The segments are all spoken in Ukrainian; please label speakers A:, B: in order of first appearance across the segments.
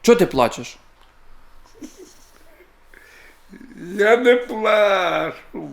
A: Чого ти плачеш?
B: Я не плачу.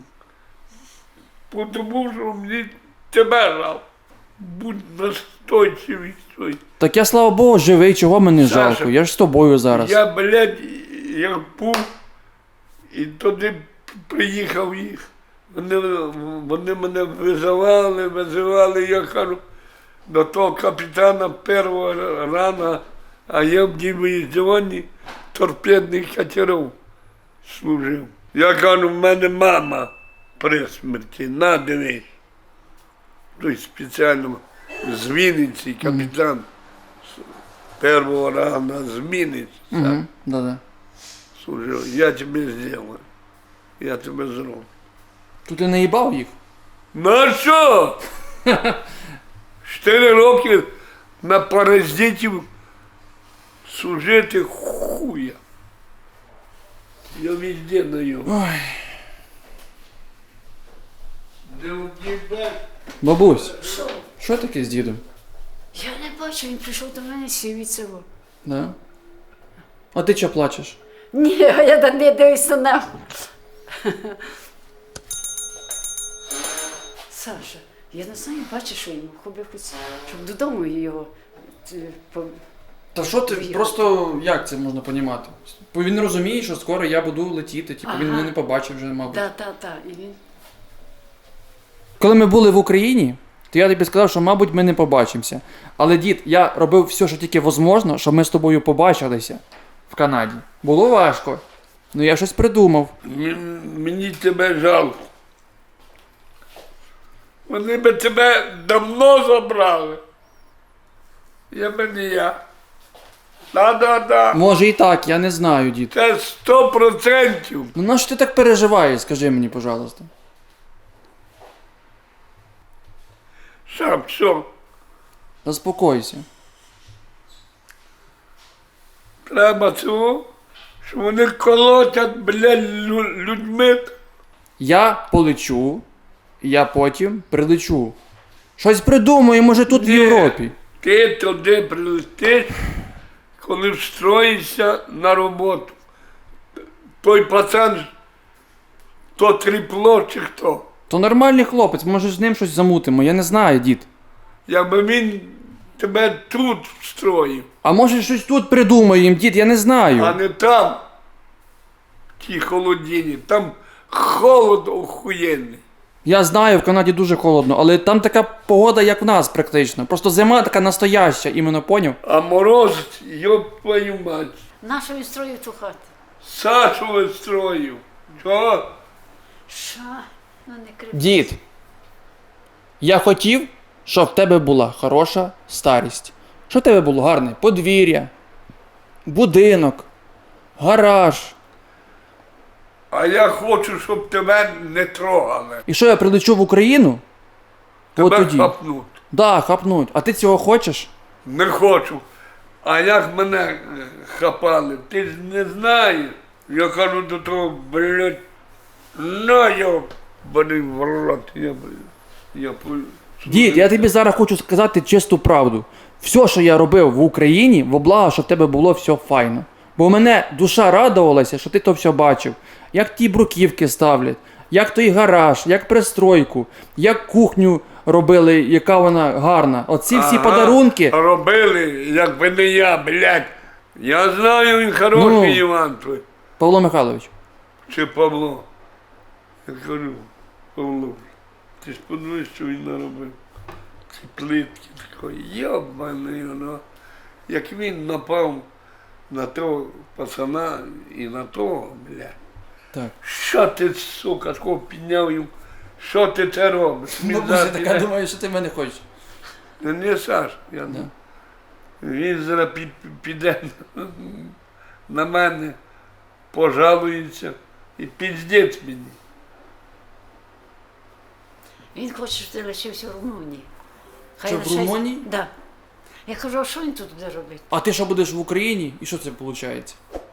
B: Тому що мені тебе жалко. Будь настойчивий.
A: Так я, слава Богу, живий, чого мені
B: Саша,
A: жалко? Я ж з тобою зараз.
B: Я, блядь, як був, і туди приїхав їх. Вони мене визивали, я кажу, до того капітана першого рана, а я в дивізіоні торпедних катерів служив. Я кажу, в мене мама при смерті, на, дивись. Той спеціально з Вінниці, капітан першого рана з Вінниці.
A: Да-да.
B: Служив, я тебе зроблю, я тебе зроблю.
A: Тут ти не їбав їх?
B: На що? 4 роки на паразитів служити хуя. Я везде даю.
A: Ой.
B: Де у тебе?
A: Бабусь, що таке з дідом?
C: Я не бачу, він прийшов до мене, сів від цього.
A: Да? А ти чого плачеш?
C: Ні, я не дивлюся на нього. Саша, я не знаю, бачиш, що йому хобі хоч, щоб додому його.
A: Та що ти, просто як це можна понімати? Бо він розуміє, що скоро я буду летіти, типу він мене не побачив вже, мабуть.
C: Так, і він.
A: Коли ми були в Україні, то я тобі сказав, що, мабуть, ми не побачимося. Але, дід, я робив все, що тільки можливо, щоб ми з тобою побачилися в Канаді. Було важко, але я щось придумав.
B: Мені тебе жалко. Вони би тебе давно забрали. Я би не я. Да.
A: Може і так, я не знаю, дід.
B: Це 100%.
A: Ну на що ти так переживаєш, скажи мені, пожалуйста.
B: Сам що?
A: Заспокойся.
B: Треба цього, що вони колотять, блядь, людьми.
A: Я полечу, я потім прилечу. Щось придумаю, може тут в
B: Ні.
A: Європі.
B: Ти туди прилетиш, коли встроїшся на роботу. Той пацан, то тріпло чи хто.
A: То нормальний хлопець, може з ним щось замутимо, я не знаю, дід.
B: Якби він тебе тут встроїв,
A: А може щось тут придумаємо, дід, я не знаю.
B: а не там, в тій холодині. Там холод охуєнний.
A: Я знаю, в Канаді дуже холодно, але там така погода, як в нас практично. Просто зима така настояща, іменно поняв?
B: А мороз, йоп твою мать,
C: Нашу він строїв ту хату.
B: Сашу вистроїв. Чого?
C: Що? Ну не кричи.
A: Дід, я хотів, щоб в тебе була хороша старість. Щоб в тебе було гарне подвір'я, будинок, гараж.
B: А я хочу, щоб тебе не трогали.
A: І що я прилечу в Україну? От
B: Тебе
A: тоді.
B: хапнуть.
A: Да, хапнуть. А ти цього хочеш?
B: Не хочу. А як мене хапали, ти ж не знаєш. Я кажу до того, блядь, на його, блін, в рот.
A: Дід, я тобі зараз хочу сказати чисту правду. Все, що я робив в Україні, во благо, щоб в тебе було все файно. Бо мене душа радувалася, що ти то все бачив. Як ті бруківки ставлять, як той гараж, як пристройку, як кухню робили, яка вона гарна. Оці всі подарунки.
B: Робили, якби не я, блядь. Я знаю, він хороший,
A: Ну.
B: Іван твій.
A: Павло Михайлович.
B: Чи Павло. Я кажу, Павло, ти ж подивись, що він наробив. Ці плитки такої, йобаний воно. Як він напав на того пацана і на того, блядь.
A: Так.
B: Що ти, сука, такого підняв йому? Що ти це робиш?
A: Бабуся така думає, що ти мене хочеш.
B: Не Саш, я
A: Да.
B: він зараз піде на мене, пожалується і піздець мені.
C: Він хоче, щоб ти лишився в Румунії.
A: Що, в Румунії?
C: Так. Да. Я кажу, а що він тут буде робити?
A: А ти що будеш в Україні? І що це виходить?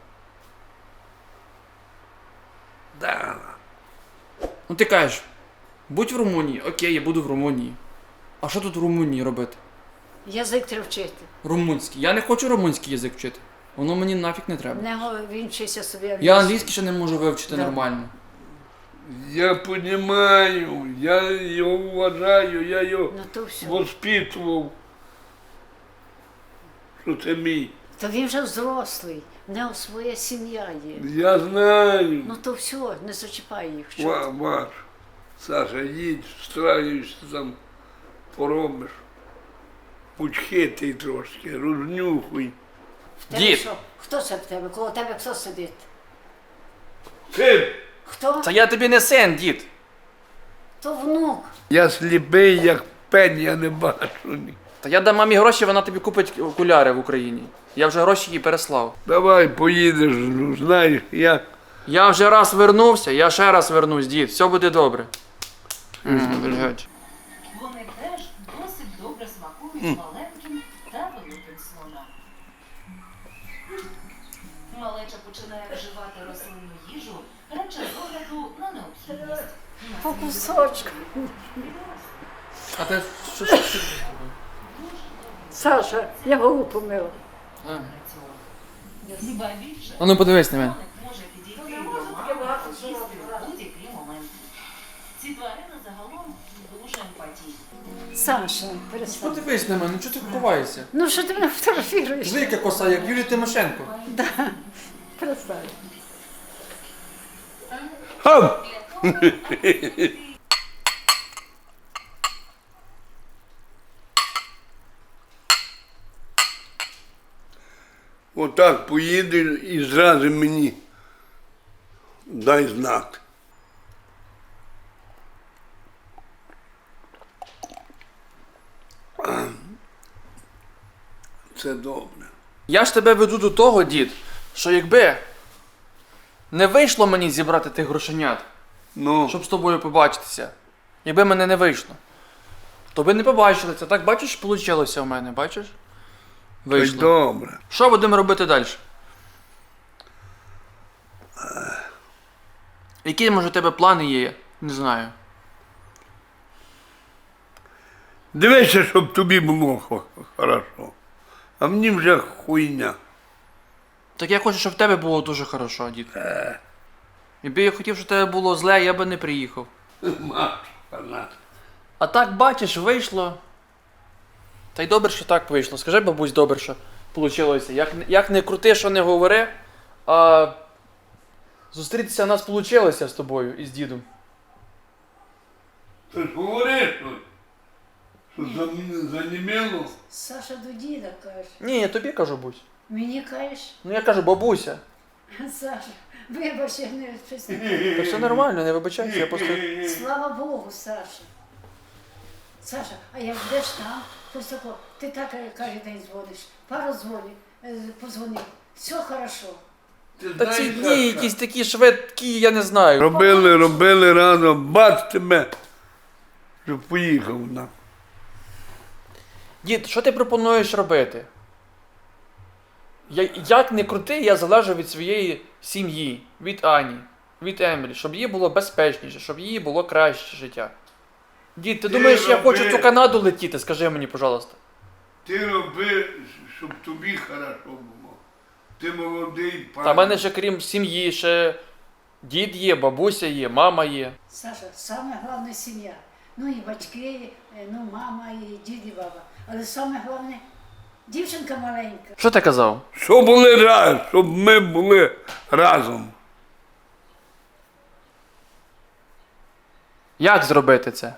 B: Да.
A: Ну ти кажеш, будь в Румунії, окей, я буду в Румунії. А що тут в Румунії робити?
C: Язик треба вчити.
A: Румунський. Я не хочу румунський язик вчити. Воно мені нафіг не треба.
C: Він вчиться собі
A: Я англійський ще не можу вивчити
C: Да.
A: нормально.
B: Я розумію, я його вважаю, я його
C: Ну то все.
B: воспитував, що це мій.
C: То він вже взрослий, в нього своя сім'я є.
B: Я знаю.
C: Ну то все, не зачіпай їх. Що ти?
B: Ваш, Саша, їдь, встраюєшся там, поробиш. Будь хитрий трошки, рознюхуй.
C: В тебе
A: Дід.
C: що? Хто це в тебе? Коло тебе хто сидить?
B: Син,
C: Хто?
A: Та я тобі не син, дід.
C: То внук.
B: я сліпий, як пень, я не бачу. ні.
A: Та я дам мамі гроші, вона тобі купить окуляри в Україні. Я вже гроші їй переслав.
B: Давай поїдеш, ну, знаєш, як.
A: Я вже раз вернувся, я ще раз вернусь, дід. Все буде добре.
D: Вони теж досить добре смакують маленьким та великим слонам. Малеча починає вживати рослинну їжу радше з огляду на необхідність.
C: По кусочку.
A: А ти що?
C: Саша, я голову помила.
D: Хіба більше,
A: А ну подивись на мене.
D: слоник може підійти до мами та їсти в будь-який момент. Ці тварини загалом дуже емпатійні.
C: Саша, перестань.
A: Подивись на мене, ну чого ти ховаєшся?
C: Ну що ти мене фотографіруєш?
A: Жлика коса, як Юлія Тимошенко.
C: Перестань.
B: Хам! Отак поїдеш і зразу мені дай знак. Це добре.
A: Я ж тебе веду до того, дід, що якби не вийшло мені зібрати тих грошенят,
B: Ну,
A: щоб з тобою побачитися, якби мене не вийшло, то ви не побачили це. Так бачиш, вийшло в мене, бачиш?
B: так
A: Вийшло.
B: добре.
A: Що будемо робити далі? Які, може, у тебе плани є? Не знаю.
B: Дивися, щоб тобі було хорошо. А мені вже хуйня.
A: Так я хочу, щоб в тебе було дуже хорошо, дід. Якби я хотів, щоб в тебе було зле, я би не приїхав.
B: Машка,
A: А так, бачиш, вийшло. Та й добре, що так вийшло. Скажи, бабусь, добре, що вийшло. Як не крути, що не говори, а зустрітися в нас вийшло з тобою і з дідом.
B: ти ж говориш, що заніміло?
C: Саша до діда каже.
A: Ні, я тобі кажу, бусь.
C: Мені кажеш,
A: Ну я кажу, бабуся.
C: Саша, вибач, я не щось.
A: Та все нормально, не вибачайся, я просто.
C: Слава Богу, Саша. Саша, а як йдеш там, то тако, ти так кожен день дзвониш, пару дзвонів, позвонив, все хорошо.
A: Та ці дні якісь такі швидкі, я не знаю.
B: Робили разом, бац тебе, щоб поїхав на.
A: Дід, що ти пропонуєш робити? Як не крути, я залежу від своєї сім'ї, від Ані, від Емілі, щоб їй було безпечніше, щоб їй було краще життя. Дід, ти думаєш, я хочу в цю Канаду летіти? Скажи мені, пожалуйста.
B: Ти роби, щоб тобі хорошо було. Ти молодий, пан.
A: Та в мене ще крім сім'ї, ще дід є, бабуся є, мама є.
C: Саша, саме головне сім'я. Ну і батьки, ну мама, і дід, і баба. Але саме головне, дівчинка маленька.
A: Що ти казав?
B: Щоб були разом, щоб ми були разом.
A: Як зробити це?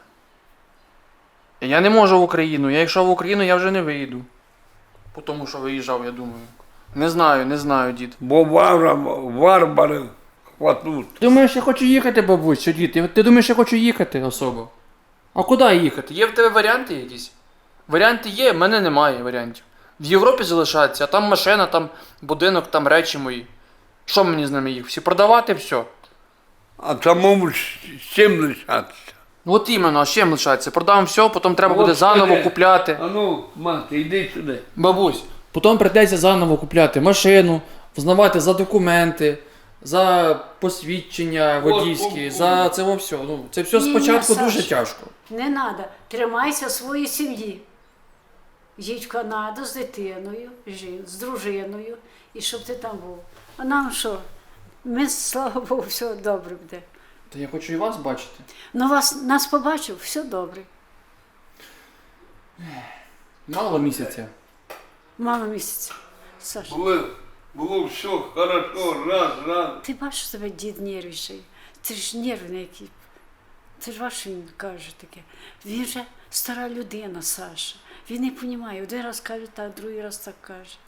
A: Я не можу в Україну. Якщо в Україну, я вже не виїду. По тому, що виїжджав, я думаю. Не знаю, дід.
B: Бо варвари хватуть.
A: Думаєш, я хочу їхати, бабусь, що дід? Ти думаєш, я хочу їхати особо? А куди їхати? Є в тебе варіанти якісь? Варіанти є, в мене немає варіантів. В Європі залишатися, а там машина, там будинок, там речі мої. Що мені з ними їх? Всі продавати, все.
B: А самому з чим лишатися?
A: Ну от іменно, а з чим лишатися? Продам все, потім треба буде
B: От
A: заново
B: сюди.
A: купляти.
B: А ну, мати, йди сюди.
A: Бабусь, потім прийдеться заново купляти машину, взнавати за документи, за посвідчення водійські, за це все. Ну, це все
C: Ні,
A: спочатку
C: Саш.
A: дуже тяжко.
C: Не треба, тримайся своєї сім'ї. Їдь в Канаду з дитиною, з дружиною і щоб ти там був. А нам що? Ми, слава Богу, все добре буде.
A: Та я хочу і вас бачити.
C: Ну нас побачив, все добре.
A: Мало місяця.
C: Мало місяця. Саша,
B: Було все хорошо, раз.
C: ти бачиш, що тебе дід нервничає. Ти ж нервний який. Ти ж бачиш, він каже таке. Він же стара людина, Саша. Він не розуміє. Один раз каже так, другий раз так каже.